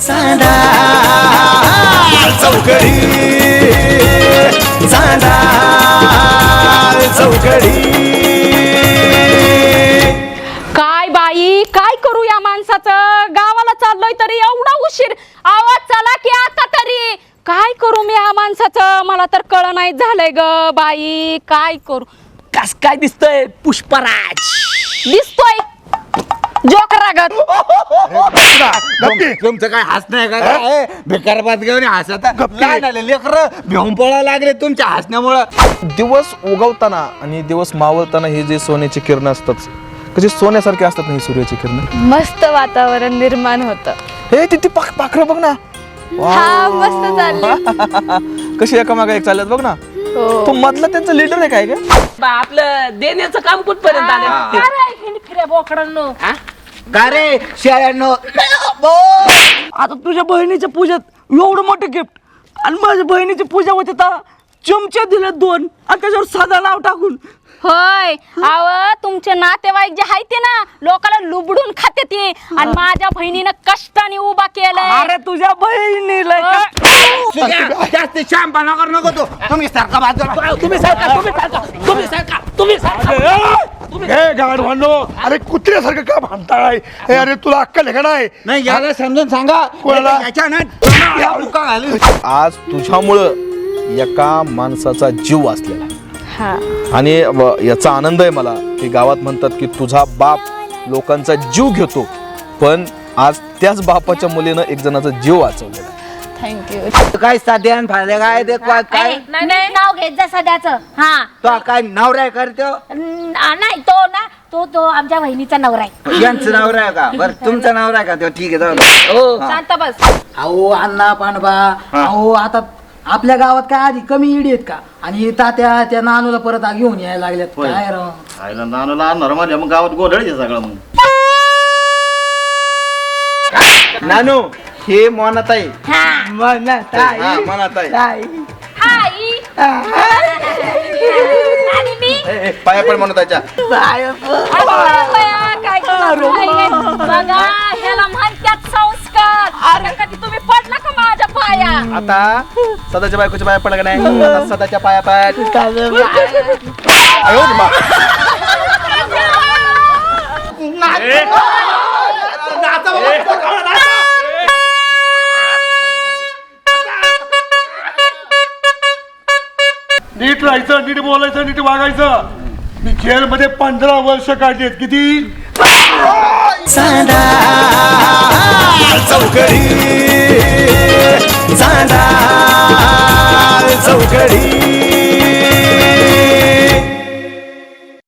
चांदा चौकडी चांदा चौकडी. काय बाई काय करू या माणसाचं. गावाला चाललोय तरी एवढा उशीर. आवाज चला की आता तरी. काय करू मी या माणसाचं. मला तर कळ नाही झालंय ग बाई. काय करू. कस काय दिसतोय पुष्पराज. दिसतोय जोकरागत. तुमचं काय हसणं आहे का. बेकार बात घेऊन हसत काय झालं. लेकर घेऊन पळायला लागले तुमच्या हसण्यामुळं. दिवस उगवताना आणि दिवस मावळताना हे जे सोन्याची किरण असतात कशी सोन्यासारखे असतात ना ही सूर्याची किरण. मस्त वातावरण निर्माण होतं. हे तिथे पाखरं बघ ना. हा मस्त चालली. कशी एकामागे एक चालत बघ ना. तो मधला त्यांचा लीडर आहे काय का. आपलं देण्याचं काम कुठपर्यंत आलं. बोकडांनो का रे शेळ्यांनो. आता तुझ्या बहिणीच्या पूजेत एवढं मोठं गिफ्ट आणि माझ्या बहिणीची पूजा होते तर चमचे दिले 2 आणि त्याच्यावर साधा नाव टाकून. होय आव तुमचे नातेवाईक जे आहेत ते ना लोकाला लुबडून खाते ते. आणि माझ्या बहिणीनं कष्टाने उभा केलंय. अरे तुझ्या बहिणीला जास्त शांपणा कर नको तू. तुम्ही सारखा बाजूला. तुम्ही सारखा तुम्ही हे गाढवांनो, अरे कुत्र्यासारखं का भांडताय. हे अरे तुला अक्कल आहे का नाही याला समजून सांगा. कोणाला? आज तुझ्यामुळं एका माणसाचा जीव वाचलेला आणि याचा आनंद आहे मला की गावात म्हणतात की तुझा बाप लोकांचा जीव घेतो पण आज त्याच बापाच्या मुलीनं एक जणाचा जीव वाचवलेला. थँक्यू. काय साध्या फायदा काय ते काय नाही नाव घेत जा सध्याचं. हा तो काय नवरा करतो. नाही तो ना तो आमच्या बहिणीचा नवरा आहे. यांचं नवरा आहे का. बरं तुमचा नवरा आहे का. तो ठीक आहे जाऊ. शांत बस. अहो अण्णा पांडबा. अहो आता आपल्या गावात काय आधी कमी इडी आहेत का. आणि तात्या त्या नानूला परत घेऊन यायला लागल्यात. काय राव नानूला आणणार माझ्या मग गावात गोधळ सगळं. मग नानू हे मोनाताई. मोनाताई आई आणि मी पाया पण म्हणून त्याच्या काय करू बघा ह्याला म्हणतात संस्कार. अरे कधी तुम्ही पडला का माझ्या पाया. आता सदाच्या बायकोच्या पाया पडला का नाही. आता सदाच्या पाया पाया नीट राहायचं, नीट बोलायचं, नीट वागायचं. मी जेलमध्ये 15 वर्ष काढलेत. किती. चांदा चौकडी चांदा चौकडी.